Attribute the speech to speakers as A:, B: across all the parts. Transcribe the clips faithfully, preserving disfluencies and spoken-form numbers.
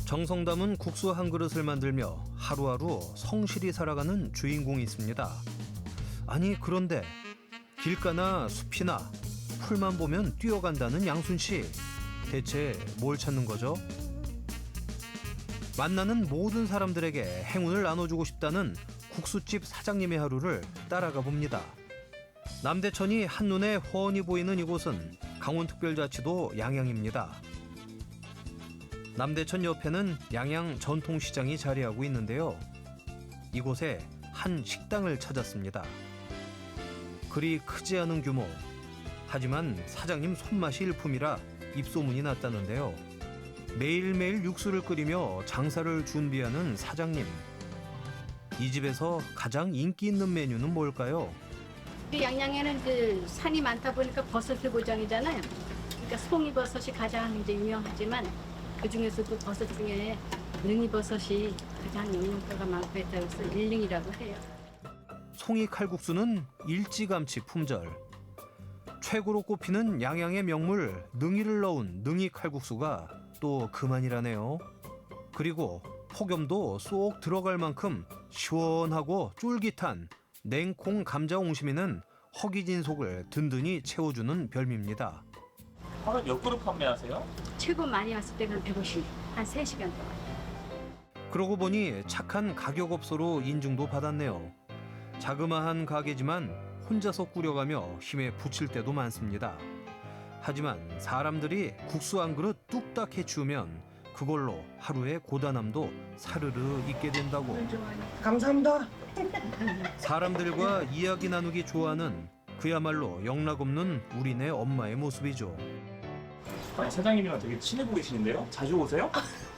A: 정성 담은 국수 한 그릇을 만들며 하루하루 성실히 살아가는 주인공이 있습니다. 아니 그런데 길가나 숲이나 풀만 보면 뛰어간다는 양순 씨. 대체 뭘 찾는 거죠? 만나는 모든 사람들에게 행운을 나눠주고 싶다는 국수집 사장님의 하루를 따라가 봅니다. 남대천이 한눈에 훤히 보이는 이곳은 강원특별자치도 양양입니다. 남대천 옆에는 양양 전통시장이 자리하고 있는데요. 이곳에 한 식당을 찾았습니다. 그리 크지 않은 규모, 하지만 사장님 손맛이 일품이라 입소문이 났다는데요. 매일매일 육수를 끓이며 장사를 준비하는 사장님. 이 집에서 가장 인기 있는 메뉴는 뭘까요?
B: 양양에는 그 산이 많다 보니까 버섯의 고장이잖아요. 그러니까 송이버섯이 가장 이제 유명하지만 그 중에서도 버섯 중에 능이버섯이 가장 영양가가 많고 했다고 해서 일능이라고 해요.
A: 송이 칼국수는 일찌감치 품절. 최고로 꼽히는 양양의 명물 능이를 넣은 능이 칼국수가 또 그만이라네요. 그리고 폭염도 쏙 들어갈 만큼 시원하고 쫄깃한 냉콩 감자 옹심이는 허기진 속을 든든히 채워주는 별미입니다.
C: 하루에 몇 그릇 판매하세요?
B: 최고 많이 왔을 때는 백오십, 한 세 시간 동안.
A: 그러고 보니 착한 가격업소로 인증도 받았네요. 자그마한 가게지만 혼자서 꾸려가며 힘에 부칠 때도 많습니다. 하지만 사람들이 국수 한 그릇 뚝딱 해치우면 그걸로 하루의 고단함도 사르르 잊게 된다고.
D: 감사합니다.
A: 사람들과 이야기 나누기 좋아하는 그야말로 영락없는 우리네 엄마의 모습이죠.
C: 아니, 사장님이랑 되게 친해 보이시는데요? 자주 오세요?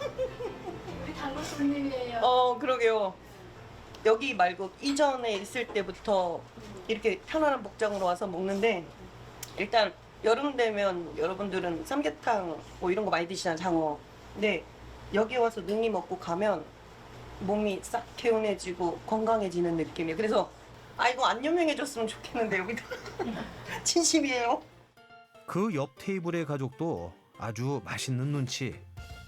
B: 우리 단골 손님이에요.
D: 어, 그러게요. 여기 말고 이전에 있을 때부터 이렇게 편안한 복장으로 와서 먹는데 일단 여름 되면 여러분들은 삼계탕 뭐 이런 거 많이 드시잖아요, 장어. 근데 여기 와서 능이 먹고 가면 몸이 싹 개운해지고 건강해지는 느낌이에요. 그래서 아 이거 안 유명해졌으면 좋겠는데 여기도 진심이에요.
A: 그 옆 테이블의 가족도 아주 맛있는 눈치.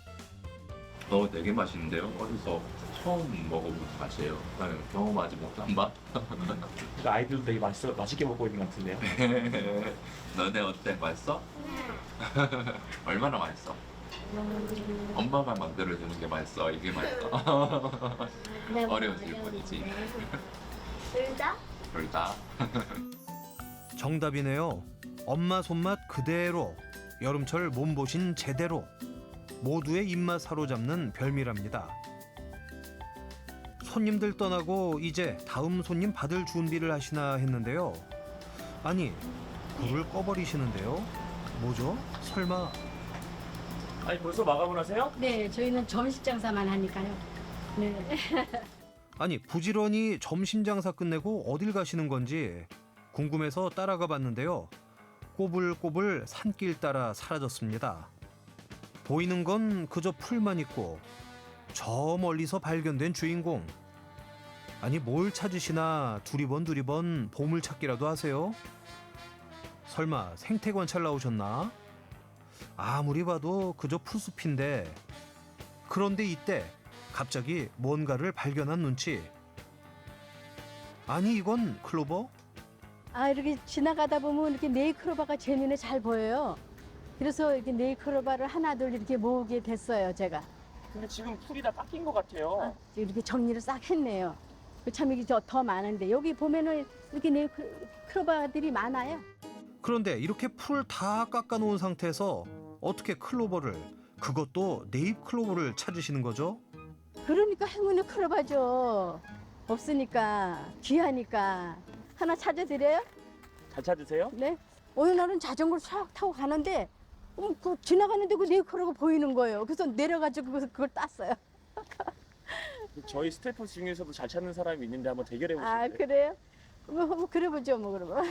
E: 어, 되게 맛있는데요? 어디서 처음 먹어본 맛이에요. 나는 경험하지 못한 맛.
C: 그러니까 아이들도 되게 맛있어, 맛있게 먹고 있는 것 같은데요?
E: 너네 어때? 맛있어? 얼마나 맛있어? 엄마가 만들어주는 게 맛있어. 이게 맛있어. 어려웠을 뿐이지.
B: 둘 다?
E: 둘 다.
A: 정답이네요. 엄마 손맛 그대로, 여름철 몸보신 제대로, 모두의 입맛 사로잡는 별미랍니다. 손님들 떠나고 이제 다음 손님 받을 준비를 하시나 했는데요. 아니, 불을 꺼버리시는데요? 뭐죠? 설마...
C: 아니 벌써 마감을 하세요?
B: 네, 저희는 점심 장사만 하니까요. 네.
A: 아니 부지런히 점심 장사 끝내고 어딜 가시는 건지 궁금해서 따라가 봤는데요. 꼬불꼬불 산길 따라 사라졌습니다. 보이는 건 그저 풀만 있고 저 멀리서 발견된 주인공. 아니 뭘 찾으시나 두리번 두리번 보물찾기라도 하세요? 설마 생태관찰 나오셨나? 아무리 봐도 그저 풀숲인데. 그런데 이때 갑자기 뭔가를 발견한 눈치. 아니 이건 클로버?
F: 아 이렇게 지나가다 보면 이렇게 네이클로바가 제 눈에 잘 보여요. 그래서 이렇게 네이클로바를 하나둘 이렇게 모으게 됐어요, 제가.
C: 근데 지금 풀이 다 깎인 것 같아요.
F: 아, 이렇게 정리를 싹 했네요. 참 이게 더, 더 많은데 여기 보면은 이렇게 네이클로바들이 많아요.
A: 그런데 이렇게 풀 다 깎아놓은 상태에서 어떻게 클로버를, 그것도 네잎 클로버를 찾으시는 거죠?
F: 그러니까 행운의 클로바죠. 없으니까 귀하니까 하나 찾아드려요?
C: 잘 찾으세요?
F: 네. 어느 날은 자전거를 싹 타고 가는데 어, 그 지나가는데 그 네이클로바가 보이는 거예요. 그래서 내려가지고 그걸, 그걸 땄어요.
C: 저희 스태프 중에서도 잘 찾는 사람이 있는데 한번 대결해 보실래요?
F: 아 그래요? 뭐, 뭐 그래보죠 뭐 그러면.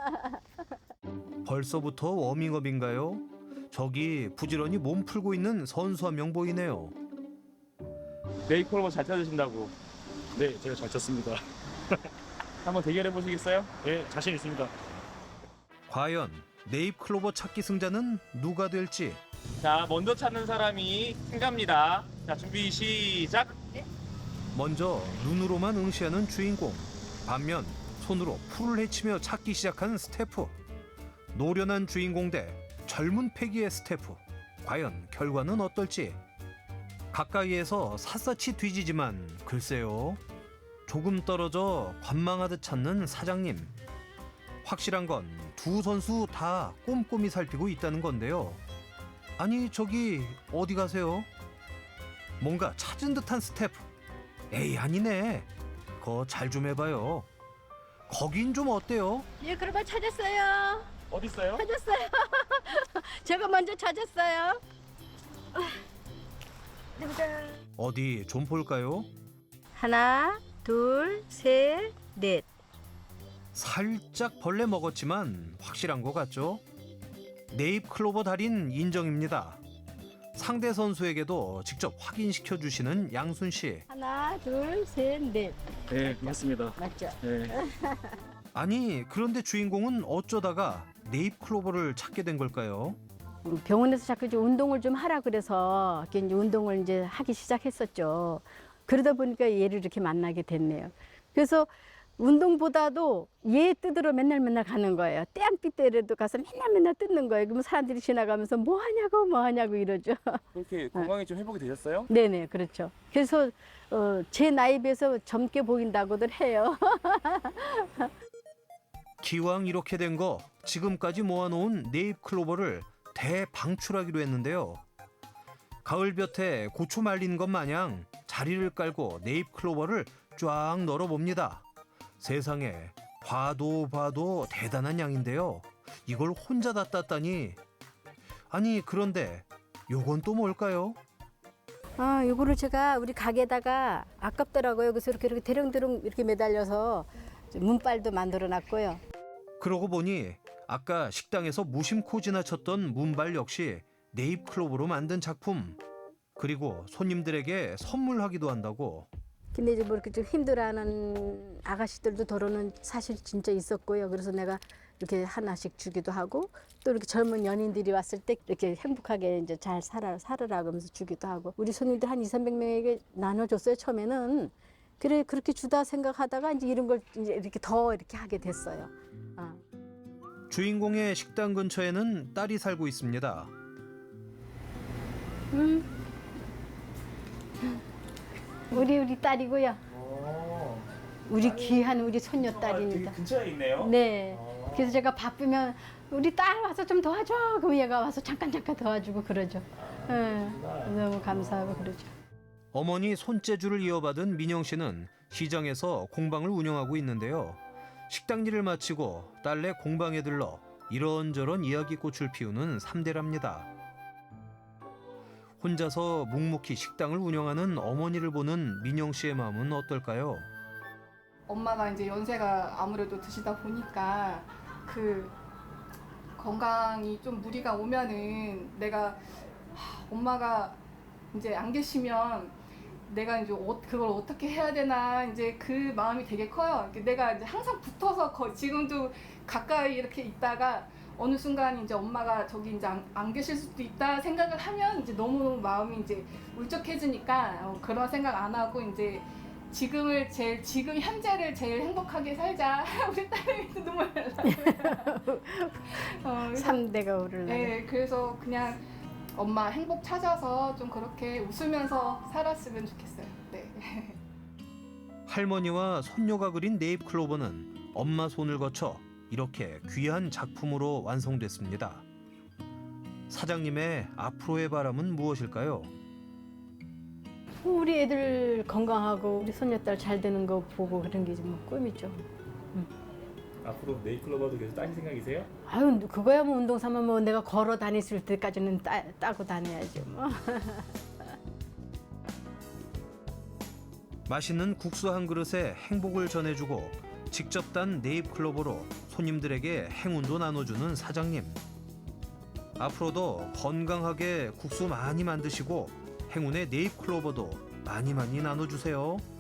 A: 벌써부터 워밍업인가요? 저기 부지런히 몸 풀고 있는 선수 한 명 보이네요.
C: 네이클로버 잘 찾으신다고.
G: 네, 제가 잘 쳤습니다.
C: 한번 대결해 보시겠어요?
G: 네, 자신 있습니다.
A: 과연 네잎 클로버 찾기 승자는 누가 될지.
C: 자, 먼저 찾는 사람이 승자입니다. 자, 준비 시작.
A: 먼저 눈으로만 응시하는 주인공. 반면 손으로 풀을 헤치며 찾기 시작한 스태프. 노련한 주인공 대 젊은 패기의 스태프. 과연 결과는 어떨지. 가까이에서 샅샅이 뒤지지만 글쎄요. 조금 떨어져 관망하듯 찾는 사장님. 확실한 건 두 선수 다 꼼꼼히 살피고 있다는 건데요. 아니 저기 어디 가세요? 뭔가 찾은 듯한 스태프. 에이 아니네. 그거 잘 좀 해봐요. 거긴 좀 어때요?
F: 예, 그러면 찾았어요.
C: 어디 있어요?
F: 찾았어요. 제가 먼저 찾았어요.
A: 어디 좀 볼까요?
F: 하나, 둘, 셋, 넷.
A: 살짝 벌레 먹었지만 확실한 것 같죠? 네잎 클로버 달인 인정입니다. 상대 선수에게도 직접 확인시켜 주시는 양순 씨.
F: 하나, 둘, 셋, 넷.
G: 네, 맞습니다.
F: 맞죠?
G: 네.
A: 아니 그런데 주인공은 어쩌다가 네잎 클로버를 찾게 된 걸까요?
F: 우리 병원에서 자꾸 이제 운동을 좀 하라 그래서 이렇게 이제 운동을 이제 하기 시작했었죠. 그러다 보니까 얘를 이렇게 만나게 됐네요. 그래서 운동보다도 얘 뜯으러 맨날 맨날 가는 거예요. 떼양빛 때라도 가서 맨날 맨날 뜯는 거예요. 그러면 사람들이 지나가면서 뭐 하냐고 뭐 하냐고 이러죠.
C: 그렇게 건강이 좀 회복이 되셨어요?
F: 네네 그렇죠. 그래서 어, 제 나이 비해서 젊게 보인다고들 해요.
A: 기왕 이렇게 된 거 지금까지 모아놓은 네잎 클로버를 대방출하기로 했는데요. 가을볕에 고추 말린 것 마냥 자리를 깔고 네잎 클로버를 쫙 널어봅니다. 세상에 봐도 봐도 대단한 양인데요. 이걸 혼자 다 땄다니. 아니 그런데 요건 또 뭘까요?
F: 아, 이거를 제가 우리 가게에다가 아깝더라고요. 그래서 이렇게 이렇게 대령대령 이렇게 매달려서 문빨도 만들어 놨고요.
A: 그러고 보니 아까 식당에서 무심코 지나쳤던 문발 역시 네잎 클로버로 만든 작품. 그리고 손님들에게 선물하기도 한다고.
F: 근데 이제 뭐 이렇게 좀 힘들어하는 아가씨들도 더러는 사실 진짜 있었고요. 그래서 내가 이렇게 하나씩 주기도 하고 또 이렇게 젊은 연인들이 왔을 때 이렇게 행복하게 이제 잘 살아 살으라 그러면서 주기도 하고 우리 손님들 한 이삼백 명에게 나눠줬어요. 처음에는 그래 그렇게 주다 생각하다가 이제 이런 걸 이제 이렇게 더 이렇게 하게 됐어요. 어.
A: 주인공의 식당 근처에는 딸이 살고 있습니다.
F: 음. 우리 우리 딸이고요. 우리 귀한 우리 손녀 딸입니다.
C: 근처에 있네요.
F: 네. 그래서 제가 바쁘면 우리 딸 와서 좀 도와줘. 그럼 얘가 와서 잠깐 잠깐 도와주고 그러죠. 네. 너무 감사하고 그러죠.
A: 어머니 손재주를 이어받은 민영 씨는 시장에서 공방을 운영하고 있는데요. 식당 일을 마치고 딸네 공방에 들러 이런저런 이야기꽃을 피우는 삼대랍니다. 혼자서 묵묵히 식당을 운영하는 어머니를 보는 민영 씨의 마음은 어떨까요?
H: 엄마가 이제 연세가 아무래도 드시다 보니까 그 건강이 좀 무리가 오면은 내가 하, 엄마가 이제 안 계시면 내가 이제 어, 그걸 어떻게 해야 되나 이제 그 마음이 되게 커요. 내가 이제 항상 붙어서 거, 지금도 가까이 이렇게 있다가 어느 순간 이제 엄마가 저기 이제 안, 안 계실 수도 있다 생각을 하면 이제 너무너무 마음이 이제 울적해지니까 어, 그런 생각 안 하고 이제 지금을 제일 지금 현재를 제일 행복하게 살자. 우리 딸이 눈물 날라고요. 어,
F: 삼대가 오르려고.
H: 네, 그래서 그냥 엄마 행복 찾아서 좀 그렇게 웃으면서 살았으면 좋겠어요. 네.
A: 할머니와 손녀가 그린 네잎 클로버는 엄마 손을 거쳐 이렇게 귀한 작품으로 완성됐습니다. 사장님의 앞으로의 바람은 무엇일까요?
F: 우리 애들 건강하고 우리 손녀딸 잘 되는 거 보고 그런 게 뭐 꿈이죠.
C: 앞으로 네잎클로버도 계속 따실 생각이세요?
F: 아유 그거야 뭐 운동 삼아 뭐 내가 걸어 다녔을 때까지는 따, 따고 다녀야죠 뭐.
A: 맛있는 국수 한 그릇에 행복을 전해주고 직접 딴 네잎 클로버로 손님들에게 행운도 나눠주는 사장님. 앞으로도 건강하게 국수 많이 만드시고 행운의 네잎 클로버도 많이 많이 나눠주세요.